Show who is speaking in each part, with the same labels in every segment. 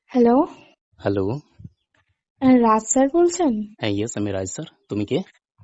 Speaker 1: Hello,
Speaker 2: hello.
Speaker 1: রাজ sir বলছেন?
Speaker 2: হ্যাঁ, yes, আমি রাজ স্যার। তুমি কে?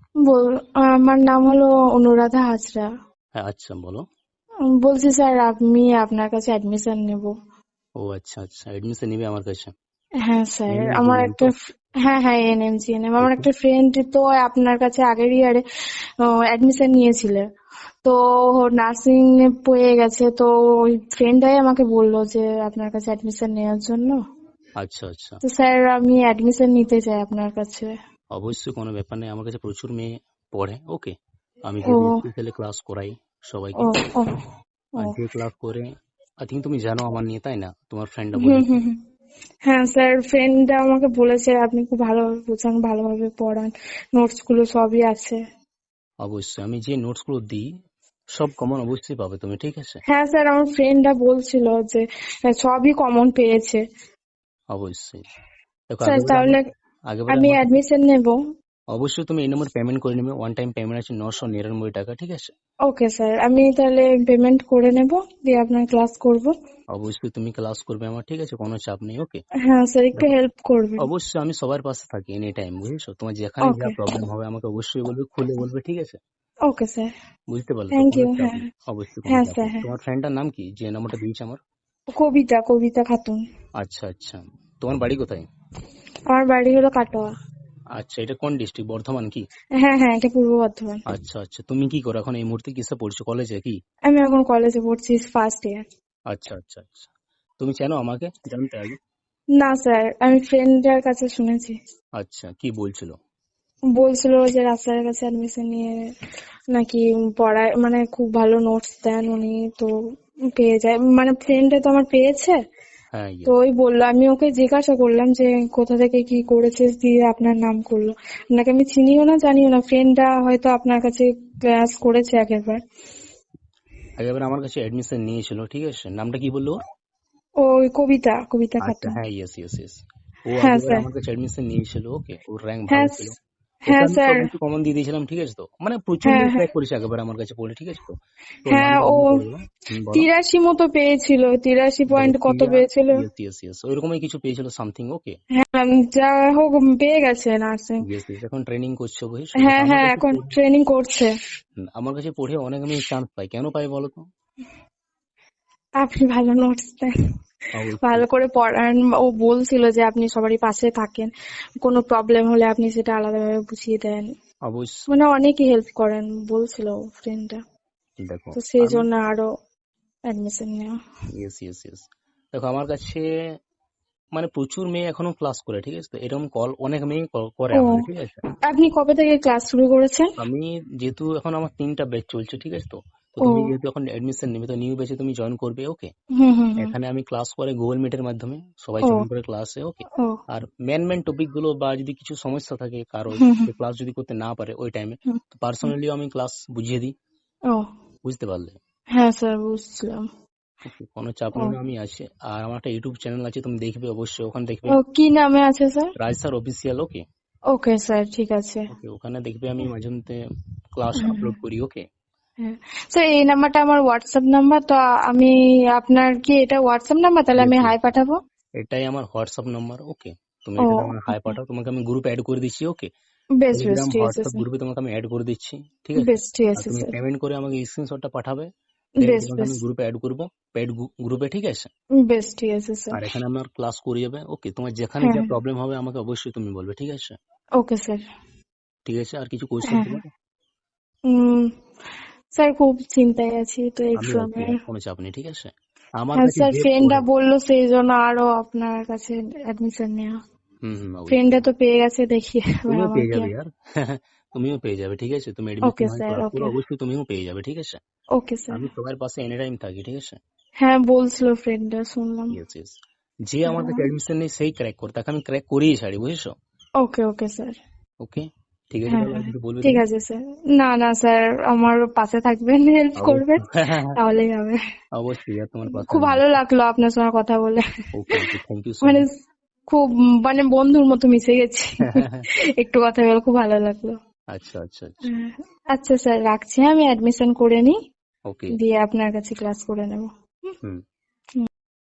Speaker 1: আমার নাম হলো অনুরাধা হাজরা।
Speaker 2: হ্যাঁ, আচ্ছা বলো।
Speaker 1: বলছি স্যার, আমি আপনার কাছে অ্যাডমিশন নেব।
Speaker 2: ও আচ্ছা আচ্ছা, অ্যাডমিশন নিবে আমার কাছে।
Speaker 1: হ্যাঁ স্যার, আমার
Speaker 2: এনএমজিএনএম তো?
Speaker 1: একটা হ্যাঁ হ্যাঁ এনএম আমার
Speaker 2: ওকে।
Speaker 1: একটা ফ্রেন্ড তো আপনার কাছে আগের ইয়ারে অ্যাডমিশন নিয়েছিল। তো নার্সিং পেয়ে গেছে, তো ওই ফ্রেন্ডটাই আমাকে বললো যে আপনার কাছে অ্যাডমিশন নেওয়ার জন্য।
Speaker 2: আচ্ছা আচ্ছা,
Speaker 1: তো স্যার, আমি অ্যাডমিশন নিতে চাই আপনার কাছে।
Speaker 2: অবশ্যই কোনো ব্যাপার নেই, আমার কাছে প্রচুর মেয়ে পড়ে। ওকে, আমি
Speaker 1: ও
Speaker 2: যেহেতু স্পেশালি ক্লাস করাই সবাইকে,
Speaker 1: ও ও ও
Speaker 2: আর যে ক্লাস করে আই থিঙ্ক তুমি জানো আমার নিয়ে, তাই না? তোমার ফ্রেন্ডরা
Speaker 1: হুম
Speaker 2: বলেছে।
Speaker 1: হুম হুম। হ্যাঁ স্যার, ফ্রেন্ডটা আমাকে বলেছে আপনি খুব ভালোভাবে বোঝান, ভালোভাবে পড়ান, নোটস গুলো সবই আছে।
Speaker 2: অবশ্যই আমি যে নোটস গুলো দিই সব কমন অবশ্যই পাবে তুমি, ঠিক আছে?
Speaker 1: হ্যাঁ স্যার, আমার ফ্রেন্ডটা বলছিল যে সবই কমন পেয়েছে।
Speaker 2: অবশ্যই। দেখো,
Speaker 1: স্যার
Speaker 2: আগেবারে
Speaker 1: তাহলে
Speaker 2: আগেবারে
Speaker 1: আমি
Speaker 2: আমার কাছে
Speaker 1: অ্যাডমিশন নেব।
Speaker 2: অবশ্যই তুমি এই নম্বর পেমেন্ট করে নেবে। ওয়ান টাইম পেমেন্ট আছে 999 টাকা, ঠিক আছে?
Speaker 1: ওকে স্যার, আমি তাহলে পেমেন্ট করে নেব, দিয়ে আপনার ক্লাস করব।
Speaker 2: অবশ্যই তুমি ক্লাস করবে আমার, ঠিক আছে? কোনো চাপ নেই। ওকে।
Speaker 1: হ্যাঁ স্যার, একটু
Speaker 2: দেখো,
Speaker 1: হেল্প করবেন।
Speaker 2: অবশ্যই আমি সবার পাশে থাকি এনি টাইম, বুঝেছো? তোমার যেখানে যা
Speaker 1: ওকে
Speaker 2: প্রবলেম হবে আমাকে অবশ্যই বলবে, খুলে বলবে, ঠিক আছে?
Speaker 1: ওকে স্যার,
Speaker 2: বুঝতে পারলে তো?
Speaker 1: থ্যাংক
Speaker 2: কোনো
Speaker 1: ইউ।
Speaker 2: চাপ
Speaker 1: হ্যাঁ
Speaker 2: নেই, অবশ্যই কোনো
Speaker 1: হ্যাঁ
Speaker 2: চাপ
Speaker 1: স্যার,
Speaker 2: নেই।
Speaker 1: হ্যাঁ।
Speaker 2: তোমার ফ্রেন্ডটার নাম কি যে নাম্বারটা দিয়েছে আমার?
Speaker 1: কবিতা, কবিতা খাতুন।
Speaker 2: আচ্ছা আচ্ছা, তোমার বাড়ি কোথায়?
Speaker 1: আমার বাড়ি হলো কাটোয়া।
Speaker 2: আচ্ছা, এটা কোন ডিস্ট্রিক্ট, বর্ধমান কি?
Speaker 1: হ্যাঁ হ্যাঁ, এটা পূর্ব বর্ধমান।
Speaker 2: আচ্ছা আচ্ছা, তুমি কি করো এখন এই মুহূর্তে? কিসে পড়ছো, কলেজে কি?
Speaker 1: আমি এখন কলেজে পড়ছি, ফার্স্ট ইয়ার।
Speaker 2: আচ্ছা আচ্ছা আচ্ছা, তুমি চেনো আমাকে? জানতে আগে।
Speaker 1: না স্যার, আমি ফ্রেন্ডের কাছে শুনেছি।
Speaker 2: আচ্ছা, কি বলছিল?
Speaker 1: বলছিল যে রাস্তার কাছে অ্যাডমিশন নিয়ে নাকি পড়ায়, মানে খুব ভালো নোটস দেন উনি, তো পেয়ে যায়, মানে ফ্রেন্ডে তো আমার পেয়েছে।
Speaker 2: হ্যাঁ,
Speaker 1: তো
Speaker 2: ইয়েস।
Speaker 1: ওই বললো, আমি ওকে জিজ্ঞাসা করলাম যে কোথা থেকে কি করেছিস, দিয়ে আপনার নাম করলো। আপনাকে আমি চিনিও না জানিও না, ফ্রেন্ডটা হয়তো আপনার কাছে ক্লাস করেছে আগেরবার।
Speaker 2: আগেবার আমার কাছে অ্যাডমিশন নিয়েছিল, ঠিক আছে? নামটা কি বললো ওর?
Speaker 1: ওই কবিতা, কবিতা
Speaker 2: আচ্ছা,
Speaker 1: খাতুন।
Speaker 2: হ্যাঁ, ইয়েস ইয়েস ইয়েস। ও
Speaker 1: হ্যাঁ
Speaker 2: আগেবার
Speaker 1: স্যার।
Speaker 2: আমার কাছে অ্যাডমিশন নিয়েছিল। ওকে, ওর র্যাঙ্ক ভালো
Speaker 1: হ্যাঁ
Speaker 2: ছিল। ওকে,
Speaker 1: হ্যাঁ
Speaker 2: আমি
Speaker 1: স্যার।
Speaker 2: সবকিছু কমন দিয়ে দিয়েছিলাম, ঠিক আছে? তো মানে প্রচুর
Speaker 1: হ্যাঁ
Speaker 2: মেয়ে
Speaker 1: হ্যাঁ
Speaker 2: ক্র্যাক করেছে আগেবার আমার কাছে পড়ে, ঠিক আছে? তো তো
Speaker 1: হ্যাঁ,
Speaker 2: নামটা
Speaker 1: ও
Speaker 2: আমি বলে দিলাম। বলো।
Speaker 1: 83 মতো পেয়েছিল, 83
Speaker 2: দেখো,
Speaker 1: পয়েন্ট কত পেয়েছিল।
Speaker 2: ইয়েস ইয়েস ইয়েস, ওইরকমই কিছু পেয়েছিল সামথিং। ওকে।
Speaker 1: হ্যাঁ, যা হোক পেয়ে গেছে নার্সিং।
Speaker 2: ইয়েস ইয়েস, এখন ট্রেনিং করছে, বুঝেছো? দেখো,
Speaker 1: হ্যাঁ হ্যাঁ, এখন ট্রেনিং করছে।
Speaker 2: আমার কাছে পড়ে অনেক আমি চান্স পাই। কেন পাই বলো তো?
Speaker 1: আপনি ভালো নোটস দেন,
Speaker 2: অবশ্যই
Speaker 1: ভালো করে পড়ান। ও বলছিল যে আপনি সবারই পাশে থাকেন, কোনো প্রবলেম হলে আপনি সেটা আলাদাভাবে বুঝিয়ে দেন,
Speaker 2: অবশ্যই।
Speaker 1: মানে অনেকই হেল্প করেন বলছিল ফ্রেন্ডটা।
Speaker 2: দেখো,
Speaker 1: তো সেই
Speaker 2: আমি
Speaker 1: জন্য আরো অ্যাডমিশন নেওয়া।
Speaker 2: ইয়েস ইয়েস ইয়েস, দেখো আমার কাছে মানে প্রচুর মেয়ে এখনো ক্লাস করে, ঠিক আছে? তো এরকম কল অনেক মেয়ে করে
Speaker 1: ও,
Speaker 2: আমাকে, ঠিক আছে?
Speaker 1: আপনি কবে থেকে ক্লাস শুরু করেছেন?
Speaker 2: আমি যেহেতু এখন আমার 3টা ব্যাচ চলছে, ঠিক আছে? তো তো
Speaker 1: ও,
Speaker 2: তুমি যেহেতু এখন এডমিশন নেবে, তো নিউ ব্যাচে তুমি জয়েন করবে। ওকে।
Speaker 1: হুম হুম হুম।
Speaker 2: এখানে আমি ক্লাস করে গুগল মিটের মাধ্যমে সবাই
Speaker 1: ও
Speaker 2: জয়েন করে ক্লাসে। ওকে।
Speaker 1: ও,
Speaker 2: আর মেন টপিক গুলো বা যদি কিছু সমস্যা থাকে কারো,
Speaker 1: হুম হুম
Speaker 2: ক্লাস যদি করতে না পারে ওই টাইমে,
Speaker 1: হুম
Speaker 2: তো
Speaker 1: হুম।
Speaker 2: পার্সোনালিও আমি ক্লাস বুঝিয়ে দিই।
Speaker 1: ও,
Speaker 2: বুঝতে পারলে?
Speaker 1: হ্যাঁ স্যার, বুঝছিলাম।
Speaker 2: ওকে, কোনো চাপ
Speaker 1: ও
Speaker 2: নেই, আমি আছি। আর আমার একটা ইউটিউব চ্যানেল আছে, তুমি দেখবে অবশ্যই, ওখানে দেখবে
Speaker 1: ও, কি নামে আছে sir?
Speaker 2: Raj sir official. Okay.
Speaker 1: Okay sir, ঠিক আছে।
Speaker 2: ওকে, ওখানে দেখবে আমি মাঝে মধ্যে ক্লাস
Speaker 1: হুম,
Speaker 2: আপলোড করি। ওকে।
Speaker 1: হ্যাঁ স্যার, এই নাম্বারটা আমার হোয়াটসঅ্যাপ নাম্বার, তো আমি আপনার কি এটা হোয়াটসঅ্যাপ নাম্বার, তাহলে
Speaker 2: ইয়েস
Speaker 1: আমি
Speaker 2: ইয়েস,
Speaker 1: হাই পাঠাবো।
Speaker 2: এটাই আমার হোয়াটসঅ্যাপ নাম্বার। ওকে, তুমি
Speaker 1: ও,
Speaker 2: এটাতে আমার হাই
Speaker 1: ওকে,
Speaker 2: পাঠাও, তোমাকে আমি গ্রুপে অ্যাড করে দিচ্ছি। ওকে,
Speaker 1: বেশ বেশ,
Speaker 2: টেলিগ্রাম
Speaker 1: ঠিক আছে
Speaker 2: হোয়াটসঅ্যাপ
Speaker 1: স্যার।
Speaker 2: গ্রুপে তোমাকে আমি অ্যাড করে দিচ্ছি, ঠিক আছে?
Speaker 1: বেশ, ঠিক
Speaker 2: আর
Speaker 1: আছে
Speaker 2: তুমি
Speaker 1: স্যার।
Speaker 2: পেমেন্ট করে আমাকে স্ক্রিনশটটা পাঠাবে, দেন
Speaker 1: বেশ
Speaker 2: তোমাকে
Speaker 1: বেশ,
Speaker 2: আমি গ্রুপে অ্যাড করবো, পেড গ্রুপে, ঠিক আছে?
Speaker 1: বেশ ঠিক আছে স্যার।
Speaker 2: আর এখানে আমার ক্লাস করে যাবে। ওকে, তোমার যেখানে
Speaker 1: হ্যাঁ
Speaker 2: যা
Speaker 1: হ্যাঁ,
Speaker 2: প্রবলেম হবে আমাকে অবশ্যই তুমি বলবে, ঠিক আছে?
Speaker 1: Okay sir.
Speaker 2: ঠিক আছে, আর কিছু কোয়েশ্চেন
Speaker 1: হ্যাঁ হ্যাঁ।
Speaker 2: তোমার?
Speaker 1: উম, স্যার খুব চিন্তায় আছি তো
Speaker 2: আমি আছি,
Speaker 1: এক্সামের।
Speaker 2: আর কোনো চাপ নেই, ঠিক আছে? আমার
Speaker 1: হ্যাঁ
Speaker 2: কাছে
Speaker 1: স্যার,
Speaker 2: যে
Speaker 1: ফ্রেন্ডরা
Speaker 2: পড়ে।
Speaker 1: বললো সেই জন্য আরো আপনার কাছে অ্যাডমিশন নেওয়া।
Speaker 2: হুম হুম,
Speaker 1: ফ্রেন্ডরা
Speaker 2: অবশ্যই।
Speaker 1: তো পেয়ে গেছে, দেখি এবার
Speaker 2: তুমিও
Speaker 1: আমার
Speaker 2: পেয়ে
Speaker 1: কি
Speaker 2: যাবে
Speaker 1: হয়।
Speaker 2: यार। তুমিও পেয়ে যাবে, ঠিক আছে? তুমি এডমিশন
Speaker 1: ওকে
Speaker 2: হয়
Speaker 1: স্যার,
Speaker 2: করার পর
Speaker 1: ওকে।
Speaker 2: অবশ্যই তুমিও পেয়ে যাবে, ঠিক আছে?
Speaker 1: Okay sir.
Speaker 2: আমি সবার পাশে এনি টাইম থাকি, ঠিক আছে?
Speaker 1: হ্যাঁ বলছিল ফ্রেন্ডরা, শুনলাম।
Speaker 2: ইয়েস ইয়েস, যে আমার
Speaker 1: হ্যাঁ,
Speaker 2: কাছে এডমিশন নেই সেই ক্র্যাক করে, তাকে আমি ক্র্যাক করিয়ে ছাড়ি, বুঝেছো?
Speaker 1: ওকে ওকে স্যার।
Speaker 2: ওকে, ঠিক আছে,
Speaker 1: হ্যাঁ
Speaker 2: তাহলে আর
Speaker 1: হ্যাঁ,
Speaker 2: কিছু বলবে
Speaker 1: ঠিক
Speaker 2: তুমি?
Speaker 1: আছে স্যার। না না স্যার, আমার পাশে থাকবেন, হেল্প করবেন,
Speaker 2: অবশ্যই।
Speaker 1: তাহলেই হবে।
Speaker 2: অবশ্যই আর তোমার পাশে
Speaker 1: খুব
Speaker 2: আমি
Speaker 1: ভালো
Speaker 2: আছি।
Speaker 1: লাগলো আপনার সঙ্গে কথা বলে,
Speaker 2: okay okay, thank you so
Speaker 1: মানে
Speaker 2: মাচ।
Speaker 1: খুব, মানে বন্ধুর মতো মিশে গেছি। একটু কথা বলে খুব ভালো লাগলো।
Speaker 2: আচ্ছা আচ্ছা আচ্ছা।
Speaker 1: হ্যাঁ, আচ্ছা স্যার, রাখছি, আমি অ্যাডমিশন করে নিই,
Speaker 2: ওকে।
Speaker 1: দিয়ে আপনার কাছে ক্লাস করে নেব।
Speaker 2: হুম।